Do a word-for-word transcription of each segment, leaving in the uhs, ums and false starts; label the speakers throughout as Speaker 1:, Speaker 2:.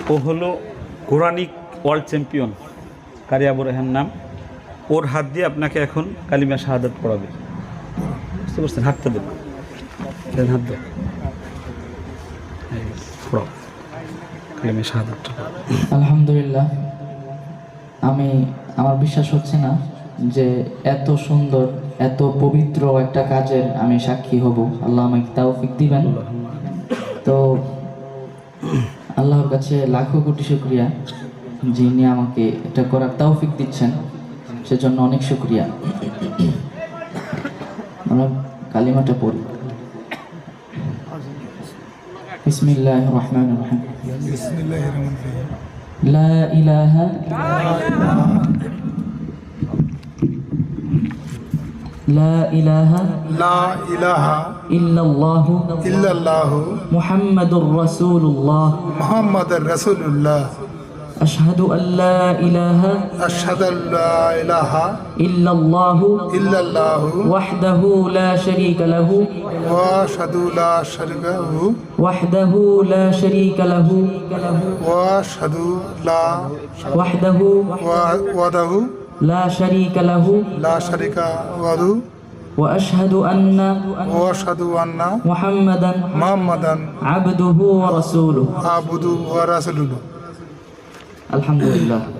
Speaker 1: ও হলো Quranic world champion কারি আবু রায়হান নাম। ওর হাত দিয়ে আপনাকে এখন কালিমা শাহাদাত পড়াবে। বুঝতে পারছেন? হাতটা দেন, হাত দেন, পড়াও কালিমা শাহাদাতটা।
Speaker 2: আলহামদুলিল্লাহ, আমি আমার বিশ্বাস হচ্ছে না যে এত সুন্দর এত পবিত্র একটা কাজের আমি সাক্ষী হব। আল্লাহ আমাকে তৌফিক দিবেন। তো আল্লাহর কাছে লাখো কোটি শুকরিয়া, যিনি আমাকে এটা করার তৌফিক দিচ্ছেন, সেজন্য অনেক শুকরিয়া। আমরা কালিমাটা পড়ি। বিসমিল্লাহির রহমানির রহিম।
Speaker 3: বিসমিল্লাহির রহমানির রহিম।
Speaker 2: লা ইলাহা লা ইলাহা
Speaker 3: লা ইলাহা
Speaker 2: ইল্লাল্লাহু
Speaker 3: ইল্লাল্লাহু
Speaker 2: মুহাম্মাদুর রাসূলুল্লাহ
Speaker 3: মুহাম্মাদুর রাসূলুল্লাহ
Speaker 2: আশহাদু আল্লা ইলাহা
Speaker 3: আশহাদু আল্লা ইলাহা
Speaker 2: ইল্লাল্লাহু
Speaker 3: ইল্লাল্লাহু
Speaker 2: ওয়াহদাহু লা শারীকা লাহু
Speaker 3: ওয়া আশহাদু লা শারীকা লাহু
Speaker 2: ওয়াহদাহু লা শারীকা লাহু
Speaker 3: ওয়া আশহাদু লা
Speaker 2: ওয়াহদাহু
Speaker 3: ওয়াদাহু
Speaker 2: লা শারীকা লাহু
Speaker 3: লা শারীকা লাহু
Speaker 2: ওয়া আশহাদু আন্না
Speaker 3: ওয়া আশহাদু আন্না
Speaker 2: মুহাম্মাদান
Speaker 3: মুহাম্মাদান
Speaker 2: আবদুহু ওয়া রাসূলুহু।
Speaker 3: আবদু ওয়া রাসূলুহু।
Speaker 2: আলহামদুলিল্লাহ।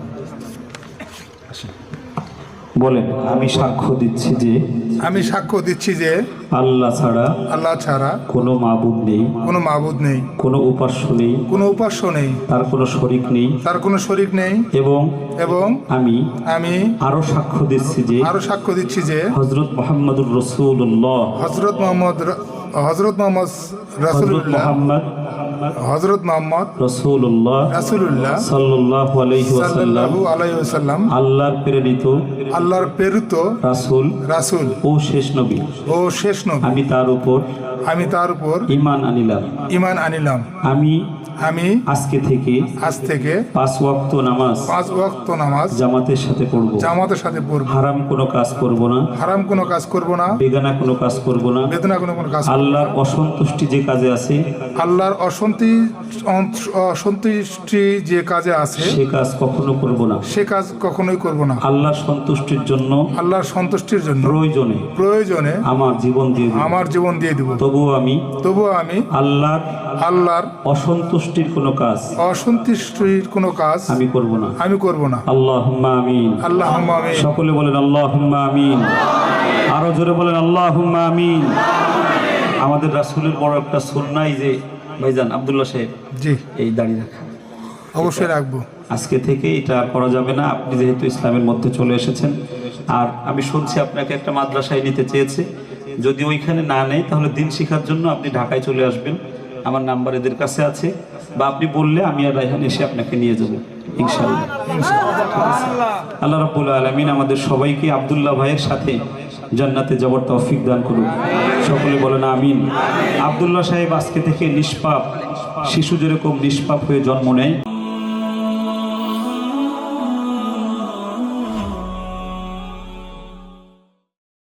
Speaker 1: বলেন, আমি সাক্ষ্য দিচ্ছি যে
Speaker 3: আমি সাক্ষ্য দিচ্ছি যে
Speaker 1: আল্লাহ ছাড়া
Speaker 3: আল্লাহ ছাড়া
Speaker 1: কোনো মাবুদ নেই,
Speaker 3: কোনো মাবুদ নেই,
Speaker 1: কোনো উপাস্য নেই,
Speaker 3: কোনো উপাস্য নেই,
Speaker 1: তার কোনো শরিক নেই,
Speaker 3: তার কোনো শরীক নেই।
Speaker 1: এবং
Speaker 3: এবং
Speaker 1: আমি
Speaker 3: আমি
Speaker 1: আরো সাক্ষ্য দিচ্ছি যে
Speaker 3: আরো সাক্ষ্য দিচ্ছি যে
Speaker 1: হযরত মুহাম্মদুর রাসূলুল্লাহ
Speaker 3: হযরত মুহাম্মদ হযরত মুহাম্মদ
Speaker 1: হযরত
Speaker 3: রাসূলুল্লাহ
Speaker 1: মুহাম্মদ
Speaker 3: হযরত মুহাম্মদ
Speaker 1: রাসূলুল্লাহ
Speaker 3: রাসূলুল্লাহ
Speaker 1: সাল্লাল্লাহু আলাইহি ওয়াসাল্লাম
Speaker 3: সাল্লাল্লাহু আলাইহি ওয়াসাল্লাম
Speaker 1: আল্লাহর প্রেরিত
Speaker 3: আল্লাহর প্রেরিত
Speaker 1: রাসূল
Speaker 3: রাসূল
Speaker 1: ও শেষ নবী।
Speaker 3: ও শেষ নবী।
Speaker 1: আমি তার উপর
Speaker 3: আমি তার উপর
Speaker 1: ঈমান আনিলাম।
Speaker 3: ঈমান আনিলাম।
Speaker 1: আমি
Speaker 3: আমি
Speaker 1: আজকে থেকে
Speaker 3: আজ থেকে
Speaker 1: পাঁচ ওয়াক্ত নামাজ
Speaker 3: পাঁচ ওয়াক্ত নামাজ
Speaker 1: জামাতের সাথে পড়ব।
Speaker 3: জামাতের সাথে পড়ব।
Speaker 1: হারাম কোনো কাজ করব না,
Speaker 3: হারাম কোনো কাজ করব না,
Speaker 1: বেগানা কোনো কাজ করব না,
Speaker 3: বেদনা কোনো কোনো কাজ।
Speaker 1: আল্লাহর অসন্তুষ্টি যে কাজে আছে
Speaker 3: আল্লাহর অসন্তি অসন্তুষ্টি যে কাজে আছে
Speaker 1: সে কাজ কখনো করব না।
Speaker 3: সে কাজ কখনোই করব না।
Speaker 1: আল্লাহর সন্তুষ্টির জন্য
Speaker 3: আল্লাহর সন্তুষ্টির জন্য
Speaker 1: প্রয়োজনে
Speaker 3: প্রয়োজনে
Speaker 1: আমার জীবন দিয়ে দেব।
Speaker 3: আমার জীবন দিয়ে দিব।
Speaker 1: তবুও আমি
Speaker 3: তবুও আমি
Speaker 1: আল্লাহর
Speaker 3: আল্লাহর
Speaker 1: অসন্তুষ্টির কোনো কাজ
Speaker 3: অসন্তুষ্টির কোনো কাজ
Speaker 1: আমি করব না।
Speaker 3: আমি করব না।
Speaker 1: আল্লাহুম্মা আমিন।
Speaker 3: আল্লাহুম্মা আমিন।
Speaker 1: সকলে বলেন আল্লাহুম্মা আমিন। আরো জোরে বলেন আল্লাহুম্মা আমিন। আমাদের রাসূলের বড় একটা সুন্নাহ যে ভাইজান আব্দুল্লাহ সাহেব,
Speaker 3: জি,
Speaker 1: এই দাড়ি রাখা
Speaker 3: অবশ্যই রাখবো।
Speaker 1: আজকে থেকে এটা আর করা যাবে না। আপনি যেহেতু ইসলামের মধ্যে চলে এসেছেন, আর আমি শুনছি আপনাকে একটা মাদ্রাসায় নিতে চেয়েছে। যদি ওইখানে না নেয় তাহলে দিন শেখার জন্য আপনি ঢাকায় চলে আসবেন। আমার নাম্বার এদের কাছে আছে, বা আপনি বললে আমি আর রায়হান এসে আপনাকে নিয়ে যাব ইনশাআল্লাহ। আল্লাহ রাব্বুল আলামিন আমাদের সবাইকে আব্দুল্লাহ ভাইয়ের সাথে জান্নাতে যাওয়ার তৌফিক দান করুন। সকলে বলেন আমিন। আব্দুল্লাহ সাহেব আজকে থেকে নিষ্পাপ শিশু যেরকম নিষ্পাপ হয়ে জন্ম নেয়,